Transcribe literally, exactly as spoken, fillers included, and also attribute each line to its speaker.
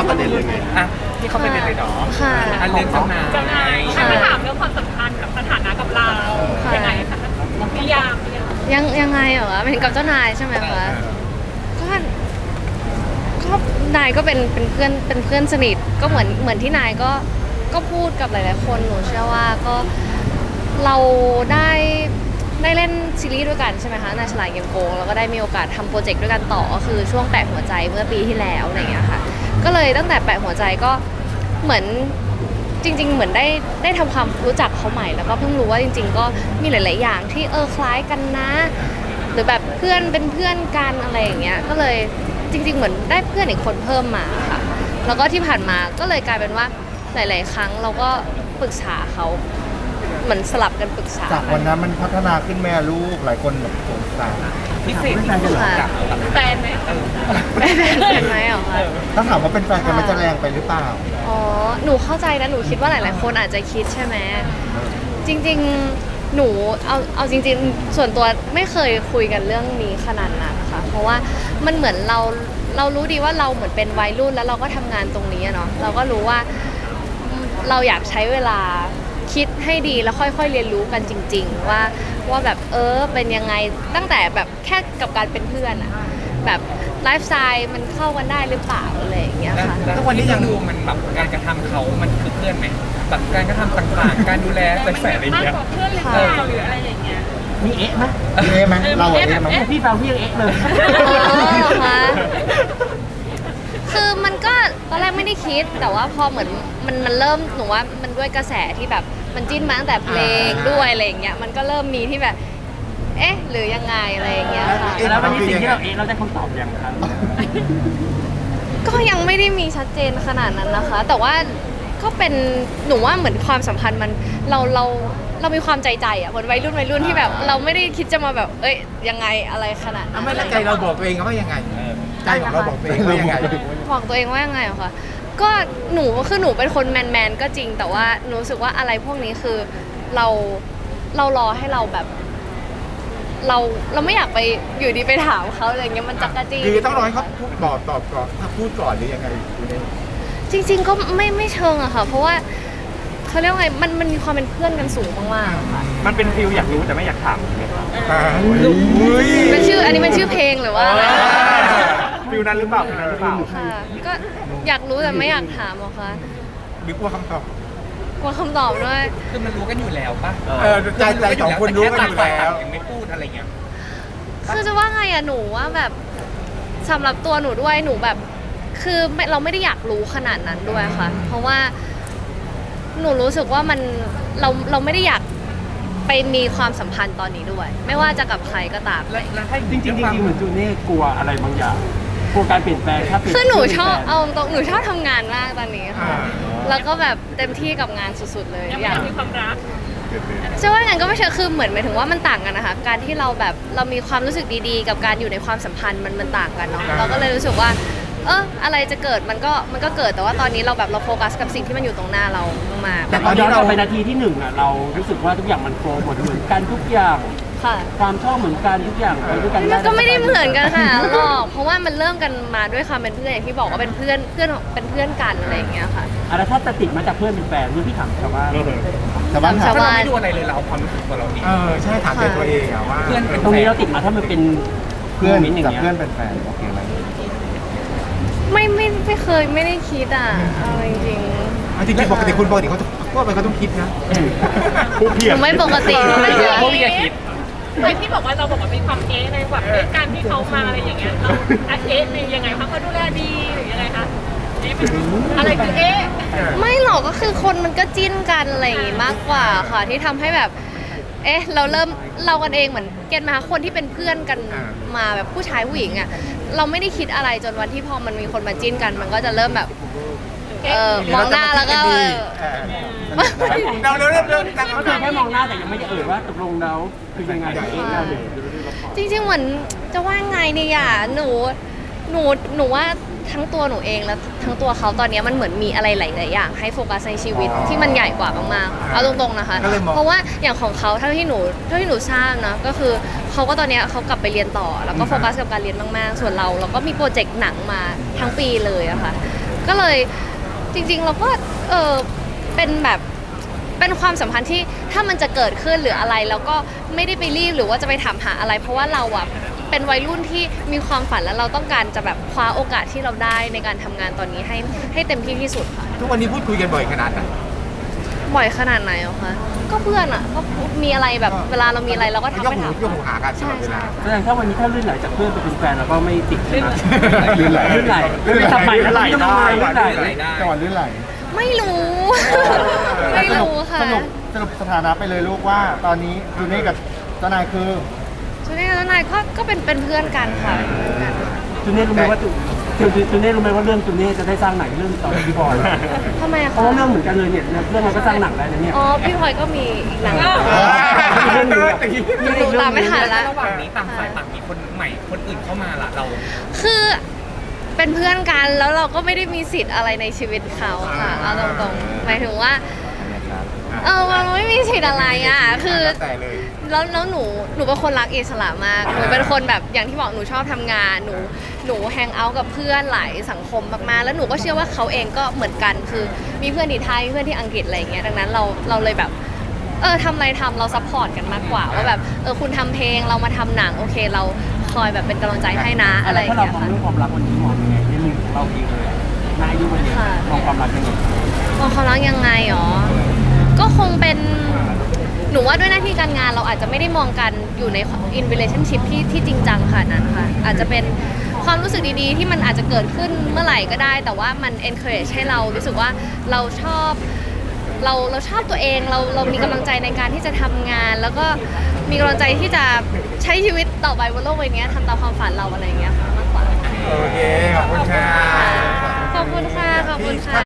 Speaker 1: าประเด็นเลยไง
Speaker 2: อ่ะที่เขาเป็นเลยเนาะ
Speaker 3: ค่ะ
Speaker 2: อันเรื่องเจ้านาย
Speaker 4: เจ้านายถ้าไม่ถามเรื่องความสัมพันธ์กับสถานะกับเรา
Speaker 3: ค่ะ
Speaker 4: ยังไงคะนิยามนิยาม
Speaker 3: ยังยังไงเหรอเป็นกับเจ้านายใช่ไหมคะก็ก็นายก็เป็นเป็นเพื่อนเป็นเพื่อนสนิทก็เหมือนเหมือนที่นายก็ก็พูดกับหลายๆคนหนูเชื่อว่าก็เราได้ได้เล่นซีรีส์ด้วยกันใช่ไหมคะนายฉลาดเกมโกงแล้วก็ได้มีโอกาสทำโปรเจกต์ด้วยกันต่อก็คือช่วงแปะหัวใจเมื่อปีที่แล้วอะไรอย่างเงี้ยค่ะก็เลยตั้งแต่แปะหัวใจก็เหมือนจริง ๆ เหมือนได้ได้ทำความรู้จักเขาใหม่แล้วก็เพิ่งรู้ว่าจริง ๆ ก็มีหลาย ๆ อย่างที่เออคล้ายกันนะ หรือแบบเพื่อนเป็นเพื่อนกันอะไรอย่างเงี้ยก็เลยจริง ๆ เหมือนได้เพื่อนอีกคนเพิ่มมาค่ะแล้วก็ที่ผ่านมาก็เลยกลายเป็นว่าหลาย ๆ ครั้งเราก็ปรึกษาเขาเหมือนสลับกันปรึกษา
Speaker 1: จากวันนั้นมันพัฒนาขึ้นแม่ลูกหลายคนแบบสงสาร
Speaker 2: พิเศษที่สุดกับกับ
Speaker 4: แฟนไหม
Speaker 2: เออ
Speaker 3: เห็นไหมเหรอคะ
Speaker 1: ถ้าถามว่าเป็นแฟนกันมันจะแรงไปหรือเปล่า
Speaker 3: อ๋อหนูเข้าใจนะหนูคิดว่าหลาย ๆ คนอาจจะคิดใช่ไหมจริง ๆ หนูเอาเอาจริง ๆ ส่วนตัวไม่เคยคุยกันเรื่องนี้ขนาดนั้นนะคะเพราะว่ามันเหมือนเราเรารู้ดีว่าเราเหมือนเป็นวัยรุ่นแล้วเราก็ทำงานตรงนี้อะเนาะเราก็รู้ว่าเราอยากใช้เวลาคิดให้ดีแล้วค่อยๆเรียนรู้กันจริง ๆ ว่าว่าแบบเออเป็นยังไงตั้งแต่แบบแค่กับการเป็นเพื่อนอะแบบไลฟ์สไตล์มันเข้ากันได้หรือเปล่าอะไรอย่างเงี้ย
Speaker 2: แล้ว
Speaker 3: ค่ะ
Speaker 2: แล้วทุกวันนี้ยังดูมันแบบการกระทำเขามันคือเพื่อนไหมแบบการกระทำต่างๆ การดูแลใส่แฝงอะไร
Speaker 4: มาก
Speaker 2: เงี้ย
Speaker 4: กว่าเพื่อนหรือเปล่าหรืออะไรอย่างเงี้ย
Speaker 5: มีเอ๊ะไหม
Speaker 1: เอ๊ะไหมเราอะเอ๊ะไหม
Speaker 5: เอ๊ะพี่ฟังพี่ยังเอ๊ะเลย
Speaker 3: อ๋อคะคือมันก็ตอนแรกไม่ได้คิดแต่ว่าพอเหมือนมันมันเริ่มหนูว่ามันด้วยกระแสที่แบบมันจิ้นมาตั้งแต่เพลงด้วยอะไรอย่างเงี้ยมันก็เริ่มมีที่แบบ เอ๊ะหรือยังไงอะไรอย่างเงี้ยค่ะ
Speaker 5: แล้ววันนี้สิ่งที่เราเอ๊ะเราได้คำตอบยังครับ
Speaker 3: ก็ยังไม่ได้มีชัดเจนขนาดนั้นนะคะ แต่ว่าก็เป็นหนูว่าเหมือนความสัมพันธ์มันเราเราเรามีความใจใจอ่ะเหมือนวัยรุ่นวัยรุ่นที่แบบ เราไม่ได้คิดจะมาแบบเอ้ยยังไงอะไรขนาดนั้น
Speaker 1: ไม่ละใจเราบอกตัวเองว่ายังไงใจของเราบอกตัวเองว่ายังไง
Speaker 3: บอกตัวเองว่ายังไงเหรอคะก็หนูคือหนูเป็นคนแมนแมนๆก็จริง แต่ว่าหนูรู้สึกว่าอะไรพวกนี้คือเราเรารอให้เราแบบ เราเราไม่อยากไปอยู่ดีไปถามเขาอะไรเงี้ยมันจักระจี้
Speaker 1: คือต้องรอให้เขาพูดบอกตอบก่อนถ้าพูดก่อนหรือยังไงคุณเอง
Speaker 3: จริง ๆ ก็ไม่ไม่เชิงอะค่ะ เพราะว่าเขาเรียกว่าไงมันมันมีความเป็นเพื่อนกันสูงมากๆอะค่ะ
Speaker 2: มันเป็นฟิลอยากรู้แต่ไม่อยากถามใช่ไหมครับ
Speaker 1: อ่าอุ้ย
Speaker 3: เป็นชื่ออันนี้เป็นชื่อเพลงหรือว่าอะไร
Speaker 2: ฟิลนั้นหรือเปล่าฟิลนั้นหรือเปล่า
Speaker 3: ค่ะก็อยากรู้แต่ไม่อยากถามหรอกค่ะ
Speaker 1: หรือกลัวคำตอบ
Speaker 3: กลัวคำตอบด้วย
Speaker 2: คือมันรู้กันอยู่แล้วป่ะ
Speaker 1: เออใจใจของคนรู้กันอยู่แล้ว
Speaker 2: ยังไม่พูดอะไรเงี้ย
Speaker 3: คือจะว่าไงอะหนูว่าแบบสำหรับตัวหนูด้วยหนูแบบ คือไม่เราไม่ได้อยากรู้ขนาดนั้นด้วยค่ะ เพราะว่าหนูรู้สึกว่ามันเราเราไม่ได้อยากไปมีความสัมพันธ์ตอนนี้ด้วย ไม่ว่าจะกับใครก็ตาม
Speaker 2: แล้วแล้วถ้า
Speaker 5: จริงๆจริงๆเหมือนจูเน่กลัวอะไรบางอย่างกลัวการเปลี่ยนแปลงถ้าเปลี่ยน
Speaker 3: คือหนูชอบเอาตรงหนูชอบทำงานมากตอนนี้ค่ะ
Speaker 1: อ่า
Speaker 3: แล้วก็แบบเต็มที่กับงานสุดๆเลย
Speaker 4: ยัง
Speaker 3: อ
Speaker 4: ไม่
Speaker 3: ยาก
Speaker 4: อยากมีความรัก
Speaker 3: จะว่างั้นก็ไม่ใช่คือเหมือนหมายถึงว่ามันต่างกันนะคะการที่เราแบบเรามีความรู้สึกดีๆ กับการอยู่ในความสัมพันธ์มันมันต่างกันเนาะเราก็เลยรู้สึกว่า เอออะไรจะเกิดมันก็มันก็เกิดแต่ว่าตอนนี้เราแบบเราโฟกัสกับสิ่งที่มันอยู่ตรงหน้าเรามาก
Speaker 5: แต่ตอนย้อนกลับไปนาทีที่หนึ่งอ่ะเรารู้สึกว่าทุกอย่างมันโฟล์หมดเหมือนกันทุกอย่าง
Speaker 3: ๆค่ะ
Speaker 5: ความชอบเหมือนกันทุกอย่างไปด้วยกัน
Speaker 3: มันก็ไม่ได้เหมือนกันค่ะหรอกเพราะว่ามันเริ่มกันมาด้วยความเป็นเพื่อนอย่างที่บอกว่าเป็นเพื่อนเพื่อนเป็นเพื่อนกันอะไรอย่างเงี้ยค่ะ
Speaker 5: อ่ะแล้วถ้าจะติดมาจากเพื่อนเป็นแฟนนี่พี่ถามชาวบ้าน
Speaker 1: แต่บ้านถา
Speaker 3: ชาม วบ้าน
Speaker 2: ไม่ดูอะไรเลยเราเอาความรู้สึกของเราเอง
Speaker 1: เออใช่ถามใจตัวเองอะว่า
Speaker 2: เพื่อนเป็น
Speaker 5: ตรงนี้เราติดมาถ้ามันเป็น
Speaker 1: เพื่อน
Speaker 5: โมมต์อย่าง
Speaker 1: กับ
Speaker 5: เงี้ย
Speaker 1: เพื่อนเป็นแฟนโอเคไหม
Speaker 3: ไม่ไม่ไม่เคยไม่ได้คิดอ่ะเอาจริง
Speaker 1: จริงๆปกติคุณปกติเขาทั่วไปเขาต้องคิดนะ
Speaker 5: ผู้เพี
Speaker 3: ๆ
Speaker 5: ย
Speaker 3: ห
Speaker 5: ร
Speaker 3: นูไม่ปกติเลย
Speaker 2: พวกพี่จะคิด
Speaker 4: ไอ้ที่บอกว่าเราบอกว่ามีความเอ๊ะในแบบในการที่เขามาอะไรอย่างเงี้ยเราเอ๊ะในยังไงคะเขาดูแลดีหรือยังไงคะเอ๊ะเป็นอะไรคือเอ๊ะ
Speaker 3: ไม่หรอกก็คือคนมันก็จิ้นกันอะไรอย่างงี้มากกว่าค่ะที่ทำให้แบบ เอ๊ะเราเริ่มเรากันเองเหมือนเกณฑ์มาคนที่เป็นเพื่อนกัน
Speaker 1: อ่า
Speaker 3: มาแบบผู้ชายผู้หญิงอ่ะเราไม่ได้คิดอะไรจนวันที่พอมันมีคนมาจิ้นกัน มันก็จะเริ่มแบบเออมองหน้าแล้วก็เออ
Speaker 1: เราเริ่มเริ่มเริ่มตั้ง
Speaker 5: ก็คือแค่มองหน้าแต่ยังไม่ได้เอ่ยว่าตกลงแล้วคือยังไงเองเราเนี่ย
Speaker 3: จริงๆเหมือนจะว่าไงเนี่ยอ่ะหนูหนูหนูว่าทั้งตัวหนูเองและทั้งตัวเขาตอนนี้มันเหมือนมีอะไรหลายๆอย่างให้โฟกัสในชีวิตที่มันใหญ่กว่ามากๆเอาตรงๆนะคะ เพราะว่าอย่างของเขาเท่าที่หนูเท่าที่หนูทราบนะก็คือเขาก็ตอนนี้เขากลับไปเรียนต่อ แล้วก็โฟกัสกับการเรียนมากๆ ส่วนเราเราก็มีโปรเจกต์หนังมาทั้งปีเลยอะค่ะก็เลยจริงๆเราก็เออเป็นแบบเป็นความสัมพันธ์ที่ถ้ามันจะเกิดขึ้นหรืออะไรแล้วก็ไม่ได้ไปรีบหรือว่าจะไปถามหาอะไร เพราะว่าเราอะเป็นวัยรุ่นที่มีความฝันแล้วเราต้องการจะแบบคว้าโอกาสที่เราได้ในการทำงานตอนนี้ให้ให้เต็มที่ที่สุดค่ะ
Speaker 1: ทุกวันนี้พูดคุยกันบ่อยขนาดไหน
Speaker 3: บ่อยขนาดไหนอะคะก็เพื่อนอะก็มีอะไรแบบเวลาเรามีอะไรเราก็ทัก
Speaker 1: ยก
Speaker 3: ไป
Speaker 1: หู
Speaker 3: ถาม
Speaker 1: ยกหูหากันต
Speaker 3: ใช่
Speaker 1: ลอดเว
Speaker 3: ใช่
Speaker 1: ลา
Speaker 5: แสดงถ้าวันนี้ถ้าลื่นไหลจากเพื่อนไปเป็นแฟนเราก็ไม่ติดใช่ไหม
Speaker 1: ลื่นไหล
Speaker 5: ลื่นไหล
Speaker 1: ลื่นไหล
Speaker 5: ทำไมลื่นไหลได้
Speaker 2: ลื่นไหลได้
Speaker 1: จังหวะลื่นไหล
Speaker 3: ไม่รู้ ไม่รู้ค่ะ
Speaker 1: สรุปสรุปสถานะไปเลยลูกว่า ตอนนี้จูเน่กับเจ้านายคือ
Speaker 3: ชุดนี้แล้วนายก็ก็เป็นเป็นเพื่อนกันค่ะเป็นเพื่อนกัน
Speaker 5: จูเน่รู้ไหมว่าจูจูจูเน่รู้ไหมว่าเรื่องจูเน่จะได้สร้างหนังเรื่องต่อจากพี่บอย
Speaker 3: ทำไมอะ
Speaker 5: เพ
Speaker 3: คะ
Speaker 5: ราะว่าเรื่องเหมือนกันเลยเนี่ยเรื่องเราก็สร้างหนังได้นะเนี่ย
Speaker 3: อ๋อพี่พลอยก็มีอีกหนัง
Speaker 5: เรื่องหนึงอะ
Speaker 3: หนูตามไม่ทันละ
Speaker 2: ระหว่างนี้ต่างฝ่ายต่างมีคนใหม่คนอื่นเข้ามาละเรา
Speaker 3: คือเป็นเพื่อนกันแล้วเราก็ไม่ได้มีสิทธิ์อะไรในชีวิตเขาค่ะเอาตรงๆหมายถึงว่าเออมันไม่มีสิทธิ์อะไรอ่ะคือ
Speaker 1: แต่เลย
Speaker 3: แล้วแล้วหนูหนูเป็นคนรักอิสระมากหนูเป็นคนแบบอย่างที่บอกหนูชอบทำงานหนูหนูแฮงเอาท์กับเพื่อนหลายสังคมมากๆแล้วหนูก็เชื่อว่าเขาเองก็เหมือนกันคือมีเพื่อนที่ไทยเพื่อนที่อังกฤษอะไรอย่างเงี้ยดังนั้นเราเราเลยแบบเออทำอะไรทำเราซัพพอร์ตกันมากกว่าว่าแบบเออคุณทำเพลงเรามาทำหนังโอเคเราคอยแบบเป็นกำลังใจให้นะอะไรอย่าง
Speaker 5: ถ้าเรา
Speaker 3: เงี้ย
Speaker 5: มอง
Speaker 3: ค่ะ
Speaker 5: เรื่องความรักวันนี้มองยังไงในมุมของเราเองเลยอะในอายุวันนี้มองความรักยังไง
Speaker 3: มองเขารักยังไงหรอ ก็คงเป็น หนูว่าด้วยหน้าที่การงานเราอาจจะไม่ได้มองกันอยู่ใน in relationship ที่ที่จริงจังขนาดนั้นค่ะ อาจจะเป็นความรู้สึกดีๆ ที่มันอาจจะเกิดขึ้นเมื่อไหร่ก็ได้ แต่ว่ามัน encourage ให้เรารู้สึกว่าเราชอบ เราเราชอบตัวเอง เราเรามีกำลังใจในการที่จะทำงาน แล้วก็มีกำลังใจที่จะใช้ชีวิตต่อไปบนโลกใบนี้ทำตามความฝันเราอะไรอย่างเงี้ยค่ะมากกว่า
Speaker 1: โอเค ขอบคุณค่ะ
Speaker 3: ขอบคุณค่ะ ขอบคุณค่ะ